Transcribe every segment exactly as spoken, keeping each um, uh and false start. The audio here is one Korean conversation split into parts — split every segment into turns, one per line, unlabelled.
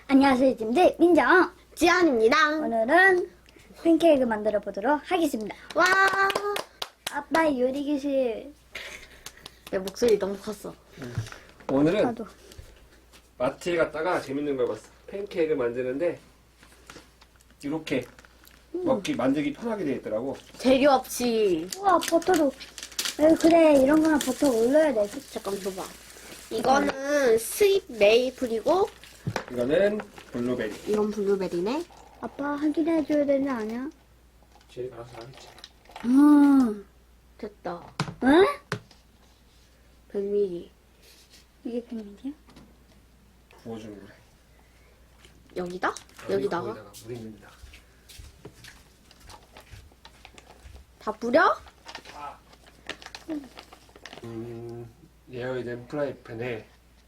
안녕하세요, 팀들 민정.
지안입니다.
오늘은 팬케이크 만들어 보도록 하겠습니다.
와,
아빠 요리 교실.
내 목소리 너무 컸어.
오늘은
나도.
마트에 갔다가 재밌는 걸 봤어. 팬케이크를 만드는데 이렇게 먹기 만들기 편하게 되어 있더라고.
재료 없이.
우와, 버터도. 에, 그래, 이런 거는 버터 올려야 돼.
잠깐 줘봐. 이거는 스윗 메이플이고,
이거는 블루베리.
이건 블루베리네.
아빠 확인해줘야 되는 거 아니야?
제일 알아서 하겠지.
음.
됐다.
응?
백 밀리리터.
이게 백미디야?
부어주는 거래.
여기다? 여기다가?
거기다가 물 있는데다가.
다 뿌려?
음, 예어이된 프라이팬에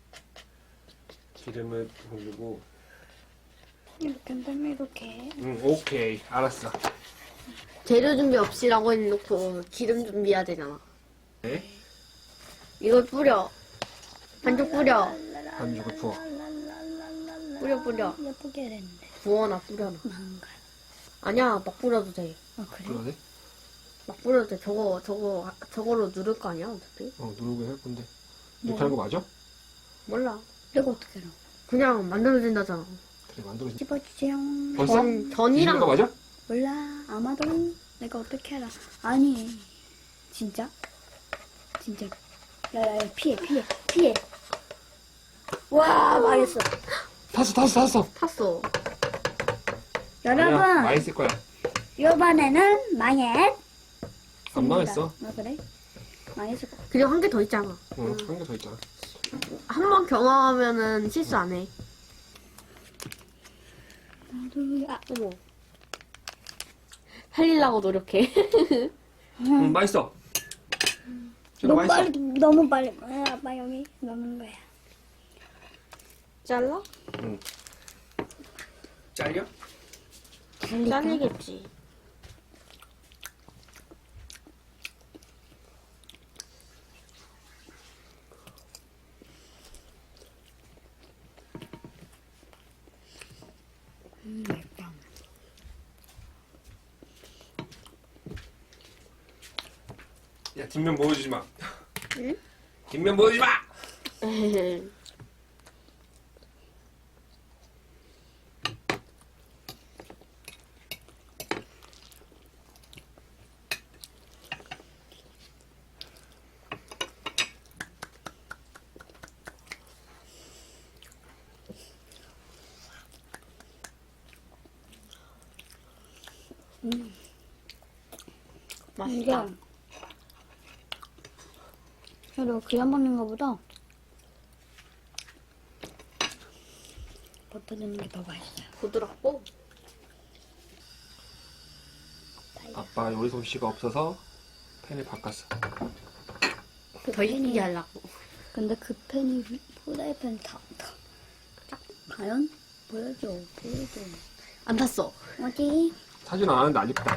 기름을 올리고.
이렇게 한다면 이렇게.
응, 오케이, 알았어.
재료 준비 없이라고 해놓고 기름 준비해야 되잖아.
네?
이걸 뿌려. 반죽 뿌려.
반죽을 부어.
뿌려, 뿌려.
예쁘게 해야 되는데.
부어놔, 뿌려놔.
망가.
아니야, 막 뿌려도 돼.
아, 그래?
그러네?
막 뿌려도 돼. 저거, 저거, 저거로 누를 거 아니야, 어차피?
어, 누르고 할 건데.
뭐?
이렇게 하는 거 맞아?
몰라.
이거 어떻게 알아?
그냥 만들어진다잖아.
그래, 만들어진.
집어주세요.
벌써?
전, 전이랑.
이런 거 맞아?
몰라. 아마도 내가 어떻게 알아. 아니. 진짜? 진짜. 야야야, 피해 피해 피해. 와, 망했어.
탔어, 탔어, 탔어.
탔어.
아니야,
여러분,
맛있을 거야.
이번에는 망했.
안 망했어.
아, 그래? 망했을 거.
그리고 한 개 더 있잖아.
응, 한 개 더 있잖아.
한 번 경험하면은 실수 안 해.
나도, 아,
어머. 살리려고 노력해.
응, 맛있어. 진짜
너무
맛있어.
빨리, 너무 빨리. 아, 아빠 여기 넣는 거야.
잘라?
응. 잘려?
잘리겠지.
음, 맵다.
야, 뒷면 보여주지 마.
응?
뒷면 보여주지 마!
맛있다.
이게 그래도 그냥 먹는 거보다 버터 넣는 게 더 맛있어요.
부드럽고.
아빠 요리 솜씨가 없어서 팬을 바꿨어.
더 이쁘게 하려고.
근데 그 팬이 후라이팬 다, 다. 과연? 보여줘, 보여줘.
안 탔어.
어디?
사진 안 하는데 안 이쁘다.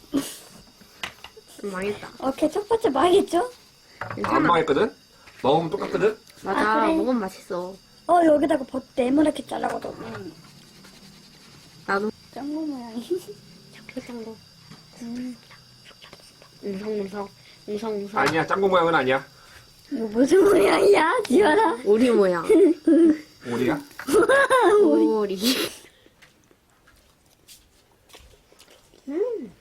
망했다.
오케이, 첫 번째 망했죠?
안
괜찮아.
망했거든? 먹으면 똑같거든?
맞아.
아, 그래?
먹으면 맛있어.
어, 여기다가 버터 네모나게 잘라거든. 음.
나도.
짱구 모양이.
짱구.
음.
웅성웅성. 웅성웅성.
아니야, 짱구 모양은 아니야.
이거 무슨 모양이야, 지연아?
오리 모양.
오리야?
오리. 음.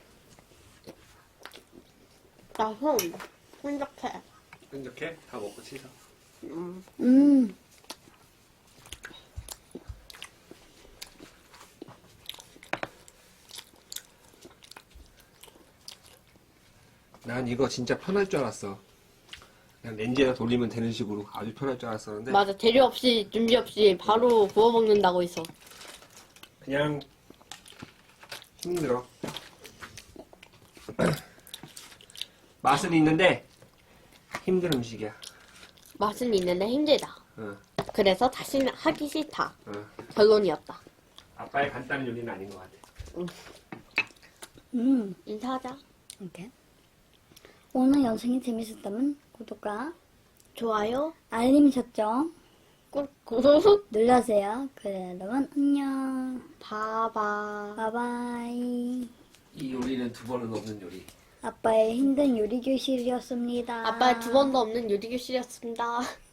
나 손. 혼적해.
이렇게 다 먹고 치사.
음.
음.
난 이거 진짜 편할 줄 알았어. 그냥 렌즈에다 돌리면 되는 식으로 아주 편할 줄 알았었는데
맞아. 재료 없이, 준비 없이 바로 구워 먹는다고 했어.
그냥 힘들어. 맛은 있는데 힘든 음식이야.
맛은 있는데 힘들다.
응,
그래서 다시는 하기 싫다.
응.
결론이었다.
아빠의 간단한 요리는 아닌 것 같아.
음.
인사하자.
오케이. 오늘 영상이 재밌었다면 구독과
좋아요.
알림 설정
꾹꾹.
눌러주세요. 그래, 여러분, 안녕.
봐봐.
바이바이.
이 요리는 두 번은 없는 요리.
아빠의 힘든 요리 교실이었습니다.
아빠의 두 번도 없는 요리 교실이었습니다.